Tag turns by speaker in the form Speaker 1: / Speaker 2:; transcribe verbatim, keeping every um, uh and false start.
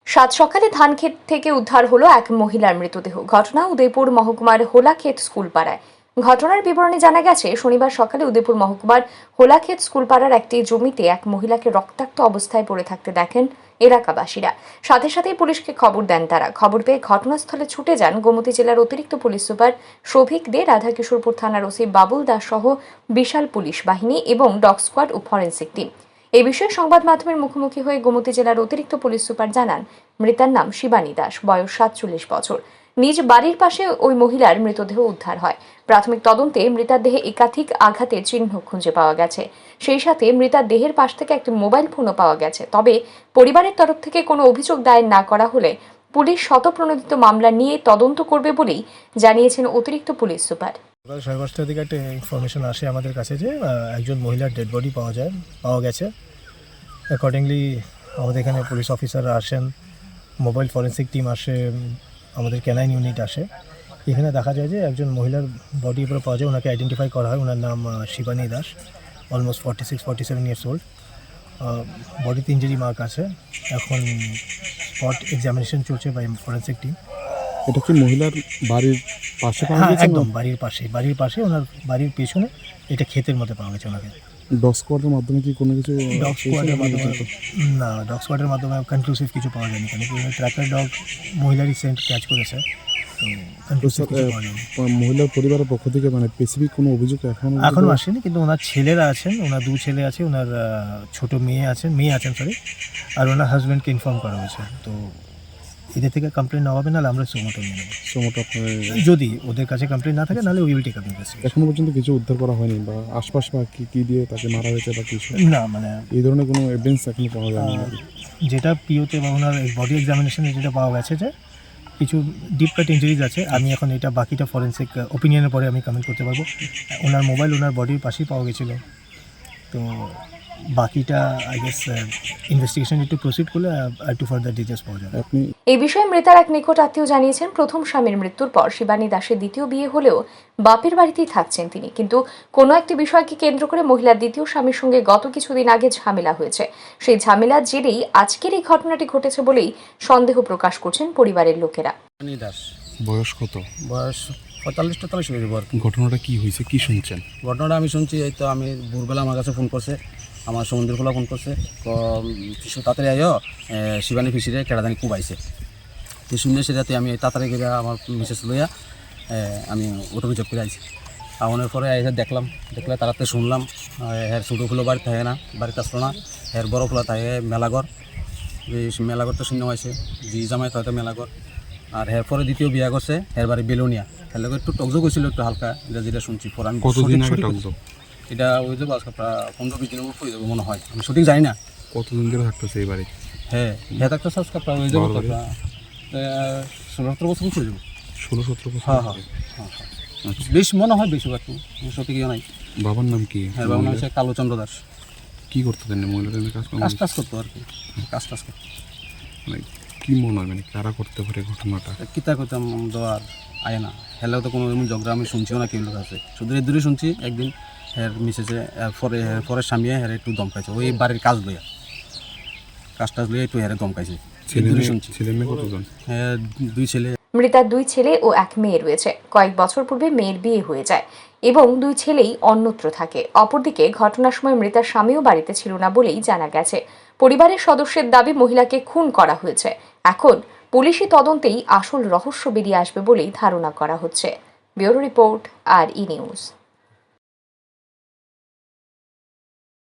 Speaker 1: সাত সকালে ধান ক্ষেত থেকে উদ্ধার হলো এক মহিলার মৃতদেহ। ঘটনা উদয়পুর মহকুমার হোলাক্ষেত স্কুল পাড়ায়। ঘটনার বিবরণে জানা গেছে, শনিবার সকালে উদয়পুর মহকুমার হোলাক্ষেত স্কুল পাড়ার একটি জমিতে এক মহিলাকে রক্তাক্ত অবস্থায় পড়ে থাকতে দেখেন এলাকাবাসীরা। সাথে সাথেই পুলিশকে খবর দেন তারা। খবর পেয়ে ঘটনাস্থলে ছুটে যান গোমতী জেলার অতিরিক্ত পুলিশ সুপার শোভিক দে, রাধাকিশোরপুর থানার ওসি বাবুল দাস সহ বিশাল পুলিশ বাহিনী এবং ডগ স্কোয়াড ও ফরেন্সিক টিম। এই বিষয়ে সংবাদ মাধ্যমের মুখোমুখি হয়ে গোমতী জেলার অতিরিক্ত পুলিশ সুপার জানান, মৃতার নাম শিবানী দাস, বয়স সাতচল্লিশ বছর। নিজ বাড়ির পাশে ওই মহিলার মৃতদেহ উদ্ধার হয়। প্রাথমিক তদন্তে মৃতার দেহে একাধিক আঘাতের চিহ্ন খুঁজে পাওয়া গেছে। সেই সাথে মৃতার দেহের পাশ থেকে একটি মোবাইল ফোনও পাওয়া গেছে। তবে পরিবারের তরফ থেকে কোনো অভিযোগ দায়ের না করা হলে পুলিশ শতপ্রণোদিত মামলা নিয়ে তদন্ত করবে বলেই জানিয়েছেন অতিরিক্ত পুলিশ সুপার।
Speaker 2: সকাল সাড়ে পাঁচটার দিকে একটা ইনফরমেশন আসে আমাদের কাছে যে একজন মহিলার ডেড বডি পাওয়া যায় পাওয়া গেছে। অ্যাকর্ডিংলি আমাদের এখানে পুলিশ অফিসাররা আসেন, মোবাইল ফরেন্সিক টিম আসে, আমাদের ক্যানাইন ইউনিট আসে। এখানে দেখা যায় যে একজন মহিলার বডি উপরে পাওয়া যায়। ওনাকে আইডেন্টিফাই করা হয়। ওনার নাম Shibani Das, almost forty six forty seven years old. বডিতে ইঞ্জুরি মার্ক আছে। এখন স্পট এক্সামিনেশন চলছে বাই ফরেন্সিক টিম।
Speaker 3: এটা কি মহিলার বাড়ির পাশে পাওয়া
Speaker 2: হ্যাঁ,
Speaker 3: গেছে?
Speaker 2: একদম বাড়ির পাশে বাড়ির পাশে ওনার বাড়ির পেছনে এটা ক্ষেতের মধ্যে পাওয়া গেছে ওনাকে।
Speaker 3: ডগ স্কোয়াডের মাধ্যমে কি কোনো কিছু?
Speaker 2: ডগ স্কোয়াডের মাধ্যমে না, ডগ স্কোয়াডের মাধ্যমে কনক্লুসিভ কিছু পাওয়া যায়নি, কেন কি ট্র্যাকার ডগ মহিলারই সেন্ট ক্যাচ করেছে, তো কনক্লুসিভ কিছু পাওয়া যায়নি।
Speaker 3: মহিলার পরিবারের পক্ষ থেকে মানে স্পেসিফিক কোনো অভিযোগ এখন
Speaker 2: এখনও আসেনি, কিন্তু ওনার ছেলেরা আছেন, ওনার দু ছেলে আছে, ওনার ছোট মেয়ে আছেন মেয়ে আছেন সরি আর ওনার হাজব্যান্ডকে ইনফর্ম করা হয়েছে। তো এদের থেকে কমপ্লেন না হবে, নাহলে আমরা সোমোটো নিয়ে নেবো।
Speaker 3: সোমোটো
Speaker 2: যদি ওদের কাছে কমপ্লেন না থাকে, নাহলে we will take up investigation.
Speaker 3: এখনো পর্যন্ত কিছু উদ্ধার করা হয়নি বা আশপাশ বা কি কি দিয়ে তাকে মারা হয়েছে বা কিছু
Speaker 2: না, মানে
Speaker 3: এই ধরনের কোনো এভিডেন্স এখনো পাওয়া যায়নি।
Speaker 2: যেটা পিওতে বা ওনার বডি এক্সামিনেশনে যেটা পাওয়া গেছে যে কিছু ডিপ কাট ইঞ্জুরিজ আছে। আমি এখন এটা বাকিটা ফরেন্সিক ওপিনিয়নের পরে আমি কমেন্ট করতে পারবো। ওনার মোবাইল ওনার বডির পাশেই পাওয়া গেছিলো। তো বাকিটা আই গেস ইনভেস্টিগেশন একটু প্রসিড করলে একটু ফার্দার ডিটেলস পাওয়া যাবে।
Speaker 3: আপনি
Speaker 1: এই বিষয়ে মৃতার এক নিকট আত্মীয় জানিয়েছেন, প্রথম স্বামীর মৃত্যুর পর শিবানী দাসের দ্বিতীয় বিয়ে হলেও বাপের বাড়িতেই থাকছেন তিনি, কিন্তু কোনো একটি বিষয়কে কেন্দ্র করে মহিলার দ্বিতীয় স্বামীর সঙ্গে গত কিছুদিন আগে ঝামেলা হয়েছে। সেই ঝামেলার জেরেই আজকের এই ঘটনাটি ঘটেছে বলেই সন্দেহ প্রকাশ করছেন পরিবারের লোকেরা।
Speaker 4: শিবানী দাস,
Speaker 3: বয়স কত?
Speaker 4: বয়স পঁয়তাল্লিশ তেতাল্লিশ হয়ে যাবো আর কি।
Speaker 3: ঘটনাটা কি হয়েছে, কি শুনছেন?
Speaker 4: ঘটনাটা আমি শুনছি, এই তো আমি ভোরবেলা আমার কাছে ফোন করছে, আমার সমুদ্র খোলা ফোন করছে, কিছু তাড়াতাড়ি আইও, শিবানী ফিসিরে কেরাদানি কুবাইছে। তো শুনে সেটাতে আমি তাড়াতাড়ি গিয়ে আমার মিসেস লইয়া আমি অটো রিজার্ভ করে আইছি। আওয়ানোর পরে এসে দেখলাম দেখলে তাড়াতাড়ি শুনলাম হের ছোটো ফুলো বাড়ি থাকে না, বাড়িতে আসলো না। হের বড় ফুলা থাকে মেলাঘর, এই মেলাঘর তো শূন্য হয়েছে, জি জামাই হয়তো মেলাঘর। আর হের পরে দ্বিতীয় বিয়া করছে, হের বাড়ি বেলোনিয়া। হের লোক একটু টকজো করছিল একটু হালকা, এটা যেটা শুনছি পর আমি
Speaker 3: কতদিন আগে টকজো?
Speaker 4: এটা ওই যাবো আজকে প্রায় পনেরো বিশ দিনের উপর হয়ে যাবো মনে হয়, আমি সঠিক জানি না।
Speaker 3: কতদিন ধরে থাকতেছে এই বাড়ি?
Speaker 4: হ্যাঁ হ্যাঁ থাকতেছে আজকে প্রায় হয়ে যাবো ষোলো সতেরো বছর উপর যাবো।
Speaker 3: ষোলো সতেরো বছর?
Speaker 4: হ্যাঁ হ্যাঁ হ্যাঁ হ্যাঁ বেশ মনে হয়, বেশি একটু সঠিক ইয়ে নাই।
Speaker 3: বাবার নাম কি?
Speaker 4: হ্যাঁ বাবার নাম হচ্ছে কালোচন্দ্র দাস।
Speaker 3: কী করতে দেন মহিলাদের কাজ?
Speaker 4: কাজ টাজ করতো আর কি, কাজ টাজ করতো।
Speaker 3: মানে কী মনে হয়, মানে কারা করতে পারে ঘটনাটা?
Speaker 4: কিতা করতাম দেওয়ার আয় না, হেলেও তো কোনো এমন ঝগড়া আমি শুনছিও না কেউ লোক আছে, শুধু এর দূরে শুনছি একদিন হের মিসেসে পরে পরে স্বামীয়ে হেরে একটু দমকাইছে, ওই বাড়ির কাজ লইয়া কাজ টাজ লইয়া একটু হেরে দমকাইছে, দূরে শুনছি।
Speaker 3: ছেলে মেয়ে কতজন?
Speaker 4: হ্যাঁ দুই ছেলে।
Speaker 1: মৃতার দুই ছেলে ও এক মেয়ে রয়েছে। কয়েক বছর পূর্বে মেয়ের বিয়ে হয়ে যায় এবং দুই ছেলেই অন্যত্র থাকে। অপরদিকে ঘটনার সময় মৃতার স্বামীও বাড়িতে ছিল না বলেই জানা গেছে। পরিবারের সদস্যের দাবি মহিলাকে খুন করা হয়েছে। এখন পুলিশি তদন্তেই আসল রহস্য বেরিয়ে আসবে বলেই ধারণা করা হচ্ছে। ব্যুরো রিপোর্ট, আর ই নিউজ।